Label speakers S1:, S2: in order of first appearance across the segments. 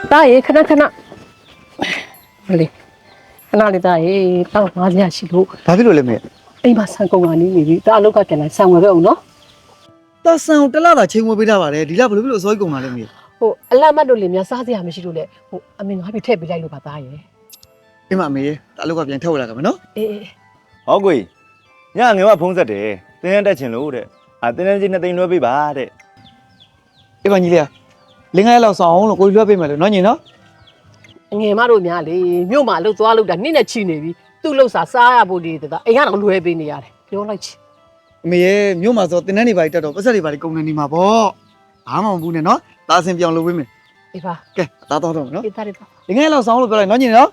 S1: တာရေခဏခဏမလေးခဏလေးတာရေတောက်ပါစရာရှိလို့
S2: ဘာဖြစ်လို့လဲမေ
S1: အိမ်မှာဆန်ကုန်ကနေနေပြီတာအလောက်ကပြန်လာဆန်ဝယ်ပဲအောင်နော်
S2: တာဆန်ကိုတစ်လသာချိန်ဝယ်ပေးထားပါတယ်ဒီလဘယ်လိုဖြစ်လို့အစိုးရကုန်လာလဲမေ
S1: ဟိုအလတ်မတ်တို့လေများစားစရာမရှိလို့လေဟိုအမေငါပြထည့်ပေးလိုက်လို့ပါသားရေ
S2: အိမ်မှာမေတာအလောက်ကပြန်ထည့်ဝယ်လာကြမယ်နော်
S1: အေး
S3: ဟောကိုကြီးညငယ်ကဖုံးဆက်တယ်တင်းရတက်ချင်လို့တဲ့တင်းရချင်း2သိန်းလွှဲပေးပါတဲ့
S2: အိမ်မှာညီလေးလင်းငယ်လောက်ဆောင်အောင်လို့ကိုလွှဲပေးမယ်လို့နော်ညီနော်
S1: ငယ်မတို့များလေမြို့မှာလှုပ်သွားလို့တာနှစ်နဲ့ချီနေပြီသူ့လှုပ်စားရဖို့ဒီတာအိမ်ကတော့လွယ်ပေးနေရတယ်ပြောလိုက်ချင်
S2: အမေရဲ့မြို့မှာဆိုတင်းနှန်းတွေပါတက်တော့ပတ်ဆက်တွေပါကုန်နေနေမှာပေါ့ဘာမှမဘူးနဲ့နော်တာဆင်ပြောင်းလုပ်ပေးမယ်
S1: အေးပါ
S2: ကဲတာတော့တော့နော်
S1: အေးသားရပါ
S2: လင်းငယ်လောက်ဆောင်လို့ပြောလိုက်နော်ညီနော်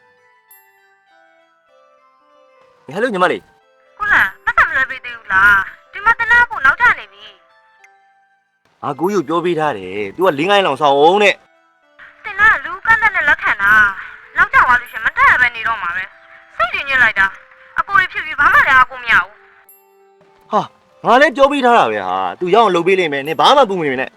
S3: ဟယ်လိုညီမလေး
S4: ဟုတ်လားပတ်စံမလွယ်ပေးသေးဘူးလားဒီမှာတနာဖို့နောက်ကျနေပြီ
S3: ကိုကြီးပြောပေးထားတယ် तू ကလင်းကိုင်းလောင်ဆောင်အောင်တဲ့
S4: တင်လားလူကန်းတဲ့နဲ့လက်ခံတာနောက်ကျသွားလို့ရှင်မတက်ရပဲနေတော့မှာပဲစိတ်တွေညစ်လိုက်တာအကိုတွေဖြစ်ပြီးဘာမှလည်းအကိုမရဘူး
S3: ဟာငါလည်းပြောပေးထားတာပဲဟာ तू ရောက်အောင်လုပ်ပေးလိမ့်မယ်နင်ဘာမှပူမနေနဲ့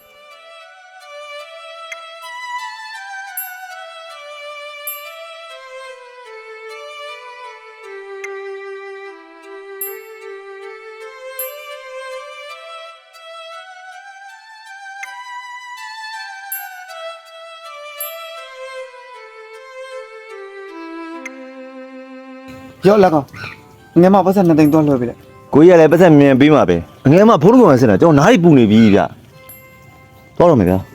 S2: ရော့လက်ကောင်ငယ်မပတ်ဆက်2သိန်းတော့လွှဲပေးလိုက်
S3: ကိုကြီးကလည်းပတ်သက်မြန်ပေးမှာပဲငယ်မဖုံးလုံးကောင်ဆင်တာကျွန်တော်နားရီပူနေပြီဗျတော့တော့မယ်ဗျာ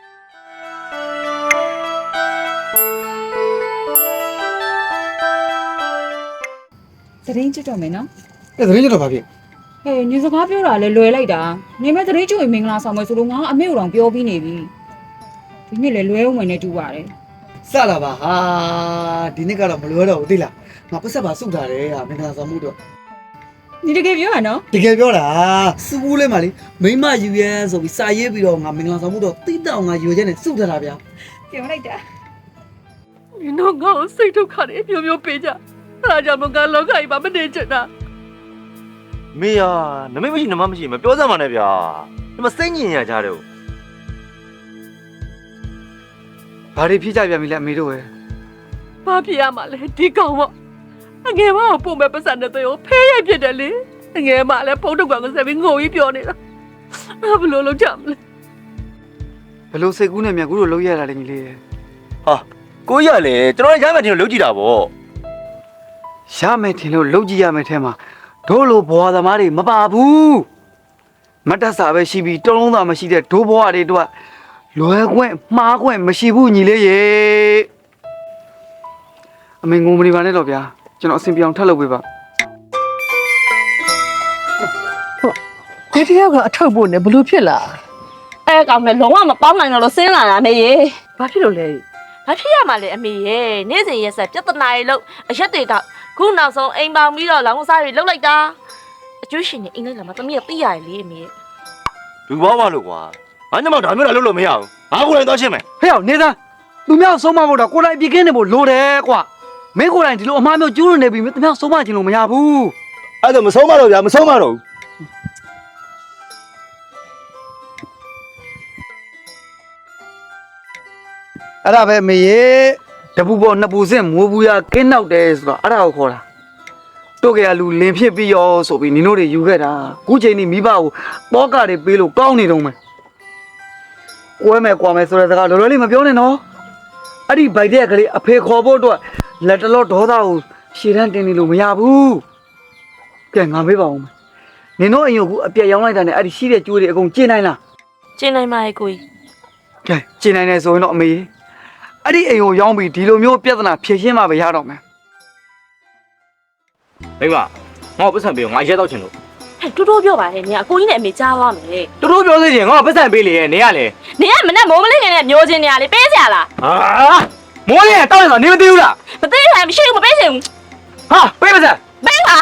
S5: သတင်းကြည့်တော့မယ်နော်
S2: အဲ့သတင်းကြတော့ဘာဖြစ်
S5: ဟဲ့ညစကားပြောတာလဲလွယ်လိုက်တာနေမဲ့သတင်းကြိုမင်္ဂလာဆောင်မယ်ဆိုလို့ငါအမေတို့တောင်ပြောပြီးနေပြီဒီနေ့လဲလွဲအောင်မယ်နဲ့တူပါတယ်
S2: စလာပါဟာဒီနေ့ကတော့မလွယ်တော့ဘူးသိလားငါပတ်ဆက်ပါစုထားတယ်ဟာမင်္ဂလာဆောင်မှုတော့
S5: ဒီတကယ်ပြောရနော်
S2: တကယ်ပြောတာစုဘူးလေးမလေးမိမယူရဲဆိုပြီးစာရေးပြီးတော့ငါမင်္ဂလာဆောင်မှုတော့တိတောင်ငါယူရဲနဲ့စုထားတာဗျာ
S5: ပြောလိုက်တာ
S1: ဒီတော့ငါ့ကိုစိတ်ဒုက္ခတွေမျိုးမျိုးပေးကြအဲ့ဒါကြောင့်မကလောကကြီးမှာမနေချင်တာ
S3: မေယာနမိတ်မရှိနမမရှိမပြောစမ်းပါနဲ့ဗျာဒီမှာစိတ်ညင်ရကြတယ်
S2: ဘာတွေဖြစ်ကြပြန်ပြီလဲအမေတို့ရဲ့
S1: ဘာဖြစ်ရမှာလဲဒီကောင်ပေါ့အငယ်မကိုပုံမဲ့ပတ်စံတဲ့တော့ဖဲရိုက်ဖြစ်တယ်လေအငယ်မလည်းဖုန်းထုတ်ကောင်ကိုဆက်ပြီးငိုကြီးပြောနေတာဘယ်လိုလုပ်ကြမလဲ
S2: ဘလို့စိတ်ကူးနဲ့မြန်ကူတို့လုံးရတာလေညီလေးရဲ့
S3: ဟာကိုကြီးကလည်းကျွန်တော်ရမ်းမှတင်လို့လုပ်ကြည့်တာဗော
S2: ရမယ်ထင်လို့လုံးကြည့်ရမယ်ထဲမှာတို့လိုဘွာသမားတွေမပါဘူးမတ်တက်စာပဲရှိပြီးတုံးလုံးသာမရှိတဲ့ဒိုးဘွားတွေတို့ကလွယ်ခွင့်မှားခွင့်မရှိဘူးညီလေးရေအမေငုံမနေပါနဲ့တော့ဗျာကျွန်တော်အစဉ်ပြောင်းထပ်လုပ်ပေးပါ
S1: ဒီတယောက်ကအထုပ်ဖို့နဲ့ဘလို့ဖြစ်လာ
S6: အဲကောင်လည်းလုံးဝမပေါင်းနိုင်တော့လို့ဆင်းလာတာမေရေ
S1: ဘာဖြစ်လို့လဲ
S6: ဘာဖြစ်ရမှာလဲအမေရေနေ့စဉ်ရက်ဆက်ပြဿနာတွေလို့အရက်တွေကခုနောက်ဆုံးအိမ်ပေါင်ပြီးတော့လောင်းစားတွေလှုပ်လိုက်တာအကျွေးရှင်နေအင်္ဂလိပ်လာမှာတမီးကသိရတယ်လေအမေ
S3: လူဘောပါလို့ကွာငါညမဒါမျိုးလာလုပ်လို့မရဘူးငါကိုယ်တိုင်သွားရှင်းမယ်
S2: ဟဲ့အောင်နေသားသူများဆုံးမဖို့တော့ကိုယ်တိုင်ပြင်းကင်းနေဖို့လိုတယ်ကွာမင်းကိုယ်တိုင်ဒီလိုအမှားမျိုးကျူးလွန်နေပြီသူများဆုံးမခြင်းလို့မရဘူး
S3: အဲ့ဒါမဆုံးမတော့ဗျာမဆုံးမတော့ဘူး
S2: အဲ့ဒါပဲမေရေတပူပေါ်နှစ်ပူစင်မိုးဘူးရကင်းနောက်တယ်ဆိုတော့အဲ့ဒါကိုခေါ်တာတို့ကရလူလင်ဖြစ်ပြီးရောဆိုပြီးနင်တို့တွေယူခဲ့တာခုချိန်นี้မိဘကိုတောကတွေပေးလို့ကောင်းနေတော့မယ်ကွဲမယ်ကွာမယ်ဆိုတဲ့စကားလောလောလေးမပြောနဲ့နော်အဲ့ဒီဗိုက်တဲ့ကလေးအဖေခေါ်ဖို့အတွက်လက်တလောဒေါသကိုရှည်တန်းတင်နေလို့မရဘူးကဲငါမေးပါဦးမယ်နင်တို့အိမ်ကိုအပြက်ရောင်းလိုက်တာနဲ့အဲ့ဒီရှိတဲ့ကျိုးတွေအကုန်ကျင်းနိုင်လား
S6: ကျင်းနိုင်ပါရဲ့ကိုကြီး
S2: ကဲကျင်းနိုင်တယ်ဆိုရင်တော့အမေအဲ့ဒီအိမ်ကိုရောင်းပြီးဒီလိုမျိုးပြဿနာဖြေရှင်းမှပဲရတော့မယ်
S3: မိမငါ့ကိုပတ်စံပေးငါရဲတော့ချင်လို့
S6: ဟဲ့တူတူပြောပါနဲ့နေအကိုကြီးနဲ့အမေကြားသွားမယ်
S3: တူတူပြောစေချင်ငါ့ကိုပတ်စံပေးလေနေရလေ
S6: နေကမနဲ့မိုးမလေးနဲ့မျိုးချင်းနေရလေပေးစရာလား
S3: ဟာမိုးလေးတောက်ရဆိုနေမသိဘူးလား
S6: မသိရင်မရှိဘူးမပေးချင်ဘူး
S3: ဟာပေးပါစမ်း
S6: ပေးပါ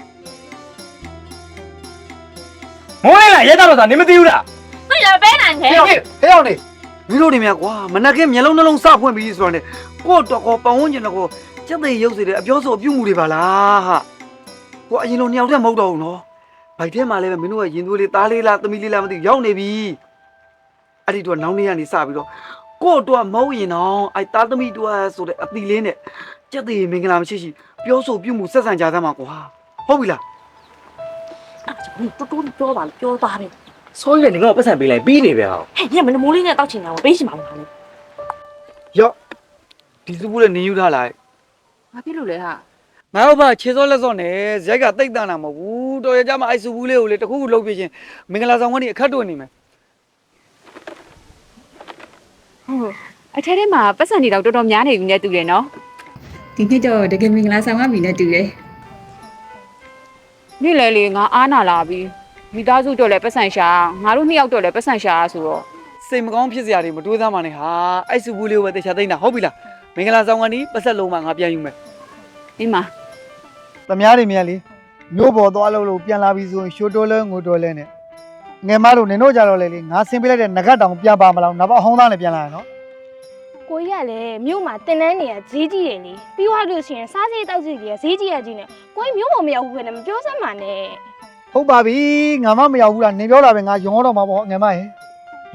S3: မိုးလေးကရဲတော့ဆိုနေမသိဘူးလား
S6: သိတယ်ပေးနိုင်တယ်
S2: ဟဲ့အောင်နေမင်းတို့တွေမြကွာမနက်ကမျက်လုံးနှလုံးစဖွင့်ပြီးဆိုတော့ねကို့တော့ကောပတ်ဝန်းကျင်တော့စက်သိရုပ်စေတဲ့အပြောဆိုအပြုမှုတွေပါလားဟာကိုအရင်လိုနှစ်ယောက်တည်းမဟုတ်တော့ဘူးနော်ဗိုက်ထဲမှာလည်းမင်းတို့ရဲ့ရင်သွေးလေးသားလေးလားသမီးလေးလားမသိရောက်နေပြီအဲ့ဒီတော့နောင်နေ့ကနေစပြီးတော့ကို့တော့မဟုတ်ရင်တော့အဲ့သားသမီးတို့ဆိုတဲ့အတီလေးနဲ့ကြက်သေးမင်္ဂလာမရှိရှိပြောဆိုပြုမှုဆက်ဆံကြသမှာကွာဟုတ်ပြီလား
S6: အဲ့ဒါတူတူပြောပါပြောသားပဲ
S7: ဆိုရင်လည်းငါ့ကိုပတ်စံပေးလိုက်ပြီးနေပဲဟော
S6: ဟဲ့ညမမိုးလေးနဲ့တောက်ချင်တာပေးရှင်ပါဦးဟာလေ
S2: ရော့ဒီစုဘူးလည်းနေယူထားလိုက်
S5: ဘာဖြစ်လို့လဲဟာ
S2: ငါတို့ဘာခြေစောလက်စောနဲ့ဇက်ကတိတ်တန်းတာမဟုတ်ဘူးတော်ရကြမှာအဲ့စုဘူးလေးကိုလေတခုခုလုပ်ပြချင်းမင်္ဂလာဆောင်ကနေအခက်တွေ့နေမယ်
S5: ဟုတ်အထက်ထဲမှာပတ်စံနေတော့တော်တော်များနေပြီနဲ့တူတယ်နော်ဒီနှစ်တော့တကယ်မင်္ဂလာဆောင်ရပြီနဲ့တူတယ်နေ့လေလေငါအားနာလာပြီမိသားစုတော့လည်းပတ်စံရှာငါတို့နှစ်ယောက်တော့လည်းပတ်စံရှာဆိုတော့
S2: စိတ်မကောင်းဖြစ်စရာတွေမတွေးသားမှနဲ့ဟာအဲ့စုဘူးလေးကိုပဲတေချာသိမ့်တာဟုတ်ပြီလားမင်္ဂလာဆောင်ကနေပတ်ဆက်လုံးမှငါပြန်ယူမယ်
S5: ဒီမှာ
S8: သမ ्या တွေမြန်လေမျိုးပေါ်သွားလို့ပြန်လာပြီဆိုရင်ရှိုးတိုးလဲငိုတိုးလဲနဲ့ငယ်မတို့နင်တို့ကြတော့လေလေငါဆင်းပေးလိုက်တဲ့ငကတ်တောင်ပြန်ပါမလားနောက်အဟောင်းသားနဲ့ပြန်လာရနော်
S9: ကိုကြီးကလည်းမြို့မှာတင်တန်းနေရဈေးကြီးတယ်လေပြီးသွားလို့ရှိရင်စားစရိတ်တောက်စရိတ်ကြီးဈေးကြီးရကြီးနဲ့ကိုကြီးမြို့ပေါ်မရောက်ဘူးပဲနဲ့မပြောစမ်းပါနဲ့
S8: ဟုတ်ပါပြီငါမမရောက်ဘူးလားနင်ပြောတာပဲငါယုံတော့မှာပေါ့ငယ်မရေလာ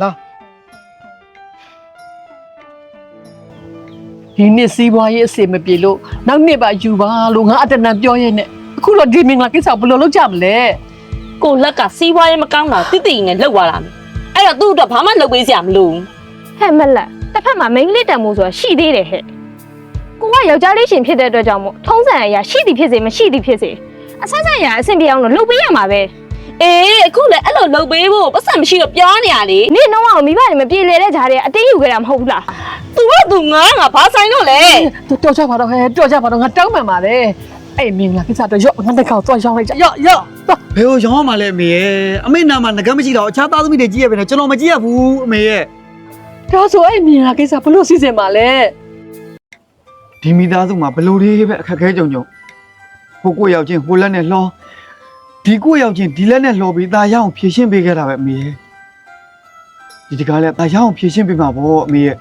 S1: ဒီနှစ်စီးပွားရေးအစီမပြေလို့နောက်နှစ်ပါယူပါလို့ငါအတနံပြောရဲနဲ့အခုတော့ဒီမင်္ဂလာကိစ္စဘယ်လိုလုပ်ကြမလဲ
S6: ကိုလက်ကစီးပွားရေးမကောင်းတာတိတိနဲ့လှုပ်သွားတာအဲ့တော့သူ့အတွက်ဘာမှလုပ်ပေးစရာမလို
S9: ဟဲ့မလက်တစ်ဖက်မှာမိန်းကလေးတန်မိုးဆိုတာရှိသေးတယ်ဟဲ့ကိုကယောက်ျားလေးရှင်ဖြစ်တဲ့အတွက်ကြောင့်မို့ထုံးစံအရာရှိသည်ဖြစ်စေမရှိသည်ဖြစ်စေအဆဆအရာအဆင်ပြေအောင်လို့လုပ်ပေးရမှာပဲ
S6: အေးအခုလည်းအဲ့လိုလုပ်ပေးဖို့ပတ်စံမရှိတော့ပြောနေရလေ
S9: နင့်တော့မိဘတွေမပြေလည်တဲ့ဂျားတွေကအတင်းယူခဲ့တာမဟုတ်ဘူးလား
S6: သူကသူငါဘာဆိုင်တော့လဲ
S1: တော်ကြပါတော့ဟဲ့တော်ကြပါတော့ငါတောင်းပန်ပါလေအဲ့မင်္ဂလာကိစ္စတော့ရော့ငါတက်ခေါက်သွားရောက်လိုက်ကြရော့ရော့
S2: ဘယ်ကိုရောင်းရမှာလဲအမေရဲ့အမေနာမှာငကတ်မရှိတော့အခြားသားသမီးတွေကြည့်ရပြီနဲ့ကျွန်တော်မကြည့်ရဘူးအမေရဲ့
S1: ဒါဆိုအဲ့မင်္ဂလာကိစ္စဘယ်လိုစီစဉ်ပါလဲ
S2: ဒီမိသားစုမှာဘလို့လေးပဲအခက်ခဲကြုံဟိုကိုရောက်ချင်းဟိုလက်နဲ့လှောဒီကိုရောက်ချင်းဒီလက်နဲ့လှောပြီးตาရအောင်ဖြည့်ရှင်းပေးခဲ့တာပဲအမေရဲ့ဒီတကားလဲตาရအောင်ဖြည့်ရှင်းပေးမှာပေါ့အမေရဲ့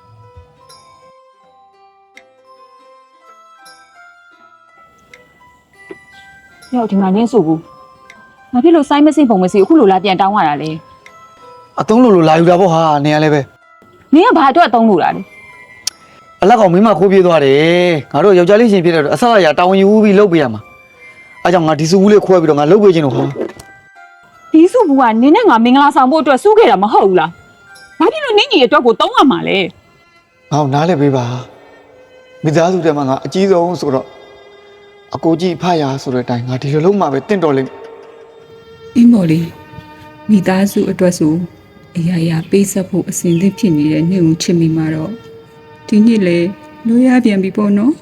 S5: ရောက်ဒီမှာနင်းဆိုဘူးဘာဖြစ်လို့စိုင်းမစင်ပုံမစီအခုလိုလာပြန်တောင်းရတာလဲ
S2: အသုံးလို့လာယူတာပေါ့ဟာနေရလဲပဲ
S5: နင်းကဘာအတွက်အသုံးလို့တာလဲ
S2: အလက်ကောင်မင်းမခိုးပြေးသွားတယ်ငါတို့ယောက်ျားလေးရှင်ဖြစ်တဲ့တော့အဆအရာတာဝန်ယူပြီးလုပ်ပေးရမှာအဲကြောင့်ငါဒီစုဘူးလေးခွဲပြီးတော့ငါလုပ်ပေးခြင်းလို့ဟော
S5: ဒီစုဘူးကနင်းနဲ့ငါမင်္ဂလာဆောင်ဖို့အတွက်စုခဲ့တာမဟုတ်ဘူးလားဘာဖြစ်လို့နင်းကြီးအတွက်ကိုတောင်းရမှာလဲ
S2: ငါ့ကိုနားလဲပေးပါမိသားစုထဲမှာငါအကြီးဆုံးဆိုတော့အကိုကြီးဖရဆိုတဲ့အတိုင်းငါဒီလိုလုံးမှပဲတင့်တော်လိမ့်
S10: အင်းမော်လေးမိသားစုအတွက်ဆိုအရာရာပေးဆက်ဖို့အစဉ်သင့်ဖြစ်နေတဲ့နေ့ကိုချစ်မိမှာတော့ဒီနေ့လေလိုရပြန်ပြီပေါ့နော်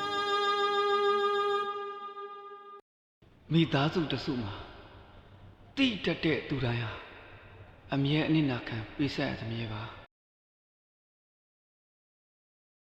S2: မိသားစုတစုမှာတိတက်တဲ့သူတိုင်းဟာအမြဲအနစ်နာခံပေးဆက်ရသမျှပါ